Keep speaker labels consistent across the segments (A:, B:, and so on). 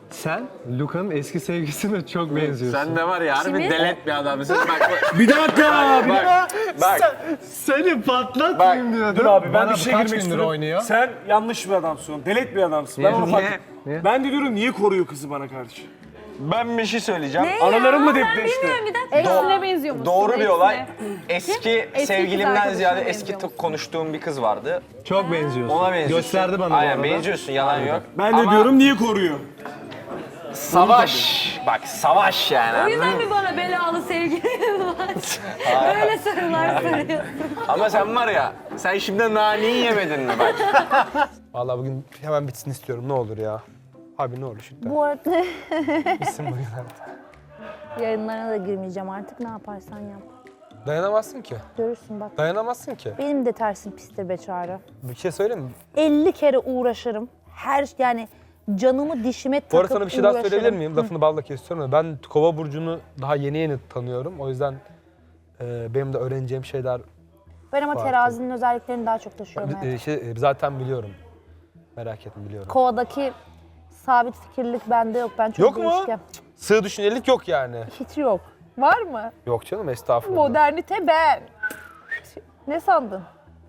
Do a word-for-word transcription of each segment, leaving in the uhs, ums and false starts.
A: Sen Luka'nın eski sevgilisine çok benziyorsun.
B: Sen de var ya harbi
C: Şimdi-
B: delet bir adamsın. Bak,
D: Bir dakika. Bir
B: bak, bak.
A: Seni patlatmayayım diyordum.
D: Dur abi ben
A: Bana
D: bir şey
A: kaç
D: girmek
A: gündür
D: istiyorum.
A: oynuyor?
D: Sen yanlış bir adamsın. Delet bir adamsın. Ben onu
B: Niye?
D: fark
A: Niye?
D: Ben de diyorum niye koruyor kızı bana karşı?
B: Ben bir şey söyleyeceğim.
C: Ne
D: Analarım mı
C: ya?
D: depreşti?
C: Ben bilmiyorum bir dakika.
E: Eksine benziyor musun?
B: Doğru bir
E: Eksine.
B: olay. Eski
E: kız
B: sevgilimden
E: arkadaşına
B: ziyade
E: benziyor
B: eski
E: musun?
B: tık konuştuğum bir kız vardı.
A: Çok benziyorsun.
B: Ona benziyorsun.
A: Gösterdi bana bu
B: Aynen
A: arada.
B: benziyorsun yalan yok.
D: Ben de
B: Ama
D: diyorum niye koruyor?
B: Savaş. Bak savaş yani.
C: O
B: anladın
C: yüzden
B: mı?
C: mi bana belalı sevgilim var? Böyle sorular soruyorsun.
B: Ama sen var ya, sen şimdi naneyi yemedin mi bak?
F: Vallahi bugün hemen bitsin istiyorum ne olur ya. Abi ne olur şimdi.
E: Bu arada
F: Bitsin bugün artık.
E: yayınlarına da girmeyeceğim artık, ne yaparsan yap.
F: Dayanamazsın ki.
E: Görürsün bak.
F: Dayanamazsın ki.
E: Benim de tersim pistir be Çağrı.
F: Bir şey söyleyeyim mi?
E: elli kere uğraşırım. Her yani canımı dişime takıp
F: Bu arada sana bir şey daha
E: uğraşırım.
F: söyleyebilir miyim? Lafını balla kesiyorum da ben Kova burcunu daha yeni yeni tanıyorum. O yüzden e, benim de öğreneceğim şeyler
E: Ben ama
F: Farklı.
E: terazinin özelliklerini daha çok taşıyorum.
F: e,
E: hayatım.
F: şey, e, zaten biliyorum. Merak etme biliyorum.
E: Kovadaki sabit fikirlik bende yok. Ben çok
F: Yok mu?
E: değişken.
F: Sığ düşüncelik yok yani.
E: Hiç yok. Var mı?
F: Yok canım estağfurullah.
E: Modernite ben. Ne sandın?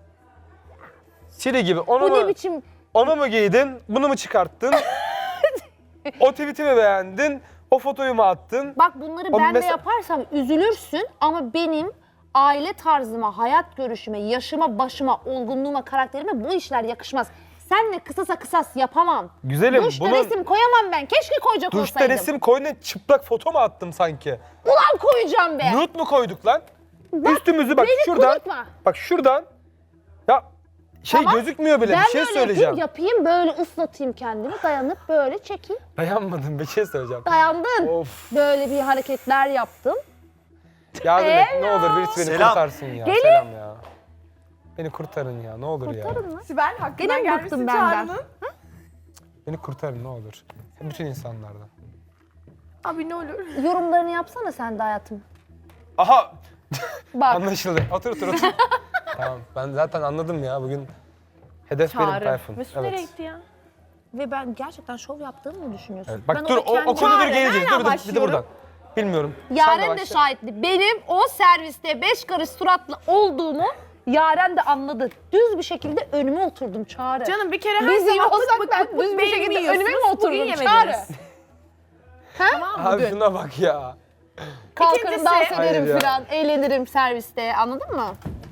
F: Siri gibi onu
E: Bu
F: mu,
E: ne biçim?
F: onu mu giydin, bunu mu çıkarttın? O tweet'i mi beğendin, o fotoyu mu attın?
E: Bak bunları
F: O
E: ben de
F: mesela-
E: yaparsam üzülürsün ama benim aile tarzıma, hayat görüşüme, yaşıma, başıma, olgunluğuma, karakterime bu işler yakışmaz. Senle kısasa kısas yapamam.
F: Güzelim,
E: Duşta
F: bunun-
E: resim koyamam ben. Keşke koyacak
F: Duşta
E: olsaydım.
F: resim koy ne çıplak foto mu attım sanki?
E: Ulan koyacağım be.
F: Nude mu koyduk lan? Üstümüzü bak
E: beni
F: şuradan.
E: kudurtma.
F: Bak şuradan. Ya şey
E: Tamam.
F: gözükmüyor bile
E: Ben
F: bir şey
E: böyle
F: söyleyeceğim.
E: yapayım, yapayım, böyle ıslatayım kendimi, dayanıp böyle çekeyim.
F: Dayanmadım bir şey söyleyeceğim.
E: Dayandın.
F: Of.
E: Böyle bir hareketler yaptım.
F: Yardım et ne olur birisi beni
G: Selam.
F: kurtarsın ya.
E: Gelin.
F: Selam ya. Beni kurtarın ya ne olur ya.
E: Kurtarın mı?
H: Sibel hakkından
E: Gene mi
H: gelmişsin
E: bıktın benden?
H: Çağrı'nın.
F: Beni kurtarın ne olur. Bütün insanlardan.
H: Abi ne olur.
E: Yorumlarını yapsana sen de hayatım.
F: Aha
E: Bak.
F: anlaşıldı. Otur otur otur. Tamam ben zaten anladım ya bugün. Hedef benim Tayfun.
H: Mesut nereye
F: Evet.
H: gitti ya?
E: Ve ben gerçekten şov yaptığımı mı düşünüyorsun?
F: Evet. Bak
E: Ben
F: dur
E: orada
F: o, o
E: kendi-
F: konudur
H: Çağrı,
F: geleceğiz.
H: nereden
F: Dur bir de, bir de
H: başlıyorum?
F: buradan. Bilmiyorum. Sen
E: Yaren de
F: başla.
E: şahitli. Benim o serviste beş karış suratlı olduğumu Yaren de anladı. Düz bir şekilde önüme oturdum Çağrı.
H: Canım bir kere her
E: Biz
H: zaman
E: olsak
H: bık
E: ben
H: bık bık
E: düz bir
H: beynimi
E: şekilde
H: yiyorsunuz,
E: önüme mi
H: bugün
E: oturdum
H: yemediniz.
E: Çağrı?
H: Tamam mı
F: Abi
H: dün?
F: şuna bak ya.
E: Kalkarım
H: İkincisi-
E: dans
F: Hayır
E: ederim
F: ya.
E: falan, eğlenirim serviste, anladın mı?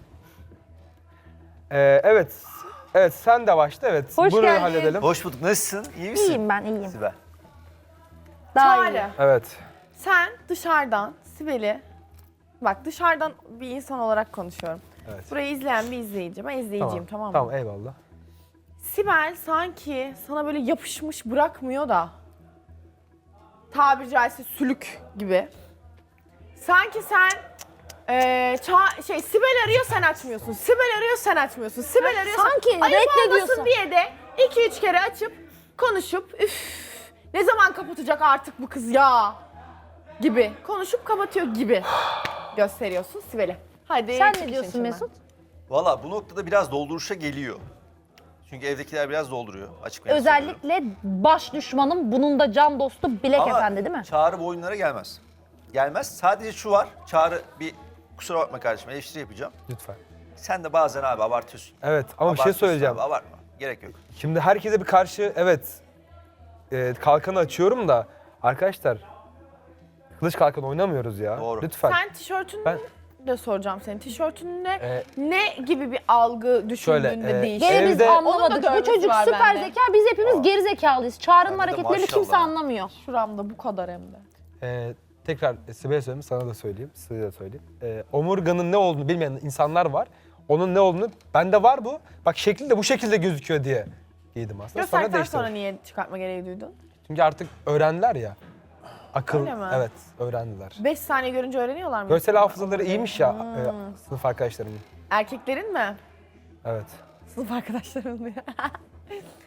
F: Ee, evet. Evet sen de başla evet.
E: Hoş
F: Bunu
E: geldin.
F: halledelim.
G: Hoş bulduk. Nasılsın? İyi misin?
E: İyiyim ben, iyiyim.
G: Sibel.
E: Daha iyi.
H: Çağrı,
F: Evet.
H: sen dışarıdan Sibel'i, bak dışarıdan bir insan olarak konuşuyorum.
F: Evet.
H: Burayı izleyen bir izleyici, ben izleyiciyim tamam, mı?
F: Tamam eyvallah.
H: Sibel sanki sana böyle yapışmış bırakmıyor da, tabiri caizse sülük gibi. Sanki sen eee ça- şey Sibel arıyor sen açmıyorsun. Sibel arıyor sen açmıyorsun. Sibel arıyor sen-
E: sanki
H: Ayıp
E: reddediyorsun.
H: olmasın diye de iki üç kere açıp konuşup üf ne zaman kapatacak artık bu kız ya gibi konuşup kapatıyor gibi gösteriyorsun Sibel'e. Hadi
E: Sen
H: çık
E: ne
H: işin
E: diyorsun
H: içinden.
E: Mesut?
G: Valla bu noktada biraz dolduruşa geliyor. Çünkü evdekiler biraz dolduruyor. Açık ve net söylüyorum.
E: Özellikle baş düşmanım, bunun da can dostu Bilek
G: Ama
E: Efendi değil mi?
G: Çağrı bu oyunlara gelmez. Gelmez. Sadece şu var. Çağrı bir kusura bakma kardeşim eleştiri yapacağım.
F: Lütfen.
G: Sen de bazen abi abartıyorsun.
F: Evet ama bir şey
G: Abartıyorsun
F: söyleyeceğim.
G: Abi, abartma. Gerek yok.
F: Şimdi herkese bir karşı evet e, kalkanı açıyorum da arkadaşlar kılıç kalkan oynamıyoruz ya.
G: Doğru.
F: Lütfen.
H: Sen tişörtünü
F: Ben-
H: de soracağım senin. Tişörtünle
F: Ee,
H: ne gibi bir algı düşündüğünde
F: Şöyle, e,
H: değişiyor?
E: Gene biz
F: Evde-
E: anlamadık.
H: Onun da
E: Bu
H: dövmesi
E: çocuk
H: var
E: süper
H: bende.
E: zeka, biz hepimiz
G: Aa.
E: geri zekalıyız. Çağrı'nın
G: Bende de
E: hareketlerini
G: maşallah.
E: kimse anlamıyor.
H: Şuramda bu kadar hem de.
F: e, tekrar Sibel'e söyleyeyim sana da söyleyeyim. Size de söyleyeyim. E, omurganın ne olduğunu bilmeyen insanlar var. Onun ne olduğunu bende var bu. Bak şekli de bu şekilde gözüküyor diye giydim aslında. Sonra
H: Gösterdikten
F: değiştirdim.
H: sonra niye çıkartma gereği duydun?
F: Çünkü artık öğrendiler ya. Akıl.
H: Öyle mi?
F: Evet öğrendiler.
H: Beş saniye görünce öğreniyorlar mı?
F: Görsel hafızaları iyiymiş ya e, sınıf arkadaşlarımın.
H: Erkeklerin mi?
F: Evet.
H: Sınıf arkadaşlarım diyor.